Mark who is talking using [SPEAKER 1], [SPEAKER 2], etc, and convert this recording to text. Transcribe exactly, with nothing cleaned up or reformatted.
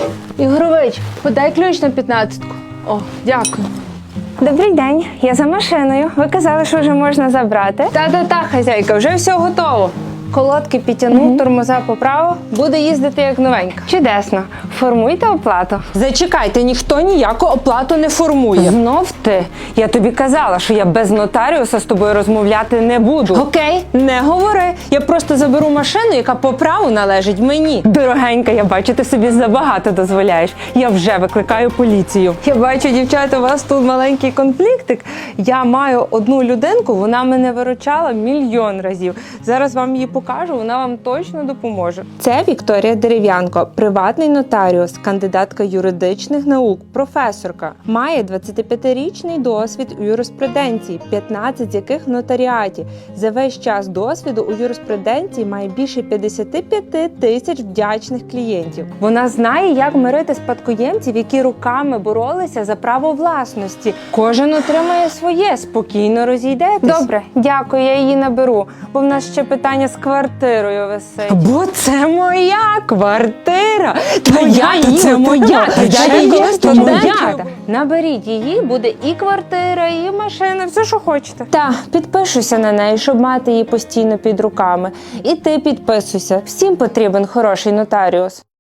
[SPEAKER 1] Ігорович, подай ключ на п'ятнадцятку. О, дякую.
[SPEAKER 2] Добрий день, я за машиною. Ви казали, що вже можна забрати.
[SPEAKER 1] Та-та-та, хазяйка, вже все готово. Колодки підтягнув,
[SPEAKER 2] Мгм.
[SPEAKER 1] тормоза поправив, буде їздити як новенька.
[SPEAKER 2] Чудесно. Формуйте оплату.
[SPEAKER 1] Зачекайте, ніхто ніяку оплату не формує.
[SPEAKER 2] Знов ти? Я тобі казала, що я без нотаріуса з тобою розмовляти не буду.
[SPEAKER 1] Окей, не говори. Я просто заберу машину, яка по праву належить мені.
[SPEAKER 2] Дорогенька, я бачу, ти собі забагато дозволяєш. Я вже викликаю поліцію.
[SPEAKER 1] Я бачу, дівчата, у вас тут маленький конфліктик. Я маю одну людинку, вона мене виручала мільйон разів. Зараз вам її покажу, вона вам точно допоможе. Це Вікторія Дерев'янко, приватний нотаріус, кандидатка юридичних наук, професорка. Має двадцятип'ятирічний досвід у юриспруденції, п'ятнадцять з яких в нотаріаті. За весь час досвіду у юриспруденції має більше п'ятдесят п'ять тисяч вдячних клієнтів. Вона знає, як мирити спадкоємців, які руками боролися за право власності. Кожен отримає своє, спокійно розійдетесь.
[SPEAKER 2] Добре, дякую, я її наберу, бо в нас ще питання з квартирою висить.
[SPEAKER 1] Бо це моя квартира. Твоя,
[SPEAKER 2] її
[SPEAKER 1] це моя.
[SPEAKER 2] отримала.
[SPEAKER 1] Я
[SPEAKER 2] Це
[SPEAKER 1] її
[SPEAKER 2] просто
[SPEAKER 1] студентка.
[SPEAKER 2] моя. Наберіть її, буде і квартира, і машина, все, що хочете.
[SPEAKER 1] Та, підпишуся на неї, щоб мати її постійно під руками. І ти підписуйся. Всім потрібен хороший нотаріус.